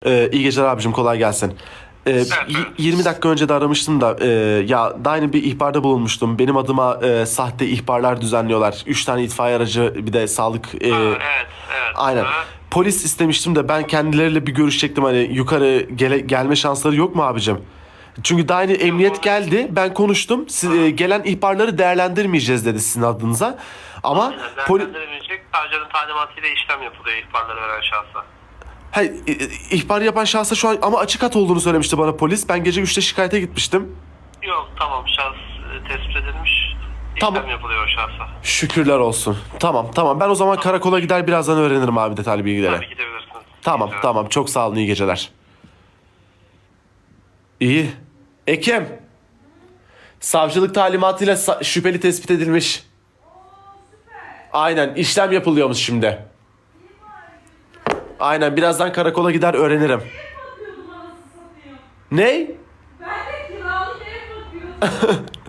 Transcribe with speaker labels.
Speaker 1: İyi geceler abicim, kolay gelsin.
Speaker 2: Evet, evet.
Speaker 1: 20 dakika önce de aramıştım da ya daha yeni bir ihbarda bulunmuştum. Benim adıma sahte ihbarlar düzenliyorlar. 3 tane itfaiye aracı, bir de sağlık.
Speaker 2: Evet, evet.
Speaker 1: Aynen.
Speaker 2: Ha.
Speaker 1: Polis istemiştim de ben kendileriyle bir görüşecektim. Hani yukarı gelme şansları yok mu abicim? Çünkü daha yeni emniyet geldi. Ben konuştum. Gelen ihbarları değerlendirmeyeceğiz dedi sizin adınıza. Ama
Speaker 2: Aynen, değerlendiremeyecek. Savcının talimatıyla işlem yapılıyor ihbarları veren şahsa.
Speaker 1: Hayır, ihbar yapan şahsa şu an ama açık hat olduğunu söylemişti bana polis. Ben gece 3'te şikayete gitmiştim.
Speaker 2: Yok, tamam, şahs tespit edilmiş.
Speaker 1: Tamam.
Speaker 2: İşlem yapılıyor o şahsa.
Speaker 1: Şükürler olsun. Tamam. Ben o zaman karakola gider, birazdan öğrenirim abi detaylı bilgileri.
Speaker 2: Tabii gidebilirsiniz.
Speaker 1: Tamam,
Speaker 2: Güzel.
Speaker 1: tamam. Çok sağ olun, iyi geceler. İyi. Ekim. Savcılık talimatıyla şüpheli tespit edilmiş. Aynen, işlem yapılıyormuş şimdi. Aynen, birazdan karakola gider öğrenirim.
Speaker 3: Bakıyordum anasını satayım.
Speaker 1: Ne?
Speaker 3: Ben de kiralık ev bakıyordum.